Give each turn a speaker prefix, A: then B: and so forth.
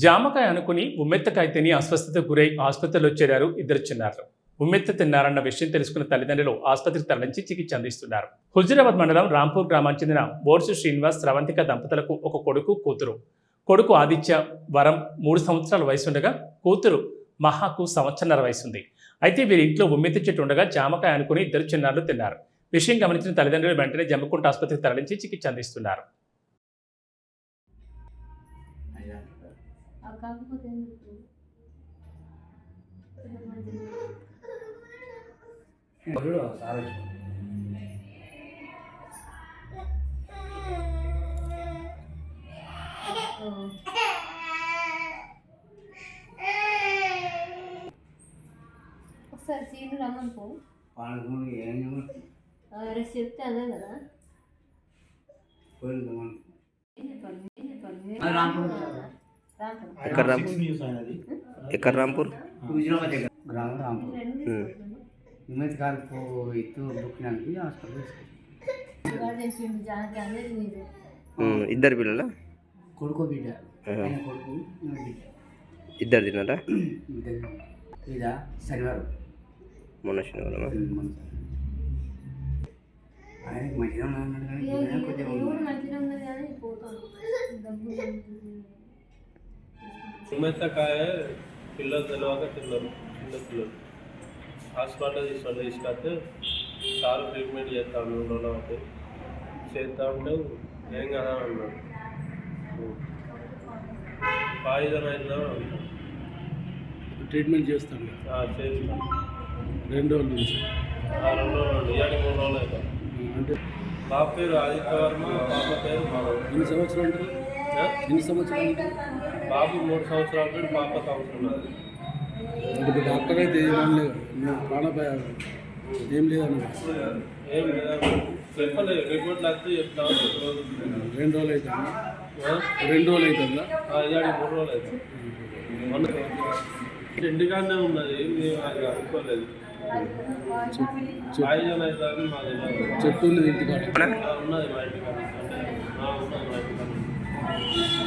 A: జామకాయ అనుకుని ఉమ్మెత్తకాయ తిని అస్వస్థతకు గురై ఆసుపత్రిలో చేరారు ఇద్దరు చిన్నారులు. ఉమ్మెత్త తిన్నారన్న విషయం తెలుసుకున్న తల్లిదండ్రులు ఆసుపత్రికి తరలించి చికిత్స అందిస్తున్నారు. హుజూరాబాద్ మండలం రాంపూర్ గ్రామానికి చెందిన బోర్సు శ్రీనివాస్, స్రవంతిక దంపతులకు ఒక కొడుకు, కూతురు. కొడుకు ఆదిత్య వరం 3 సంవత్సరాల వయసుండగా, కూతురు మహాకు సంవత్సరన్నర వయసుంది. అయితే వీరి ఇంట్లో ఉమ్మెత్త చెట్టు ఉండగా జామకాయ అనుకుని ఇద్దరు చిన్నారులు తిన్నారు. విషయం గమనించిన తల్లిదండ్రులు వెంటనే జమ్మకుంట ఆసుపత్రికి తరలించి చికిత్స అందిస్తున్నారు.
B: ఒకసారి సీను రమ్మని పో రేపు చెప్తే అదే కదా.
C: ఎక్కడ రాంపూర్
D: గ్రామం రాంపూర్ హిమత్ కాలకు ఎత్తు బుక్కినానికి హాస్పిటల్
C: ఇద్దరు పిల్లల
D: కొడుకో బిడ్డ కొడుకు బిడ్డ
C: ఇద్దరు తిన్నారా?
D: ఇదా శనివారం
C: మొన్న శనివారం
D: ఆయనకి మంచిగా ఉన్నాడు కానీ
E: ఉమ్మెత్తకాయ పిల్లలు తెలియక తిన్నారు. చిన్న పిల్లలు హాస్పిటల్ తీసుకొస్తే సార్ ట్రీట్మెంట్ చేస్తాను 3 రోజులు అవుతాయి చేస్తా ఉంటే ఏం కదా అన్నాడు. పాయిజన్ అయినా
F: ట్రీట్మెంట్ చేస్తాను
E: చేస్తాను
F: 2 రోజుల నుంచి
E: 2 రోజులు ఇవాళ 3 రోజులు అవుతాం.
F: అంటే
E: బాబు పేరు ఆదిత్య వర్మ, పాప పేరు మాధవ్.
F: ఎన్ని సంవత్సరాలు ఉంటారు? ఎన్ని సంవత్సరాలు ఉంటారు?
E: బాబు 3 సంవత్సరాల పేరు, పాప సంవత్సరం.
F: అంటే డాక్టర్ అయితే ఏమన్నా ప్రాణాపాయం ఏం లేదన్న
E: ఏం లేదా చెప్పలేదు. రిపోర్ట్లు వస్తే చెప్తాను.
F: 2 రోజులు అవుతుందా? 2 రోజులు అవుతుందా?
E: ఇవాళ 3 రోజులు అవుతాం. ఇంటికాడనే ఉన్నది, మేము అది అనుకోలేదు. పాయిజన్ అయితే అని మాది
F: చెట్టు ఉన్నది ఇంటికాడ
E: ఉన్నది మా ఇంటికాడ. ఉన్నది మా ఇంటికాడ.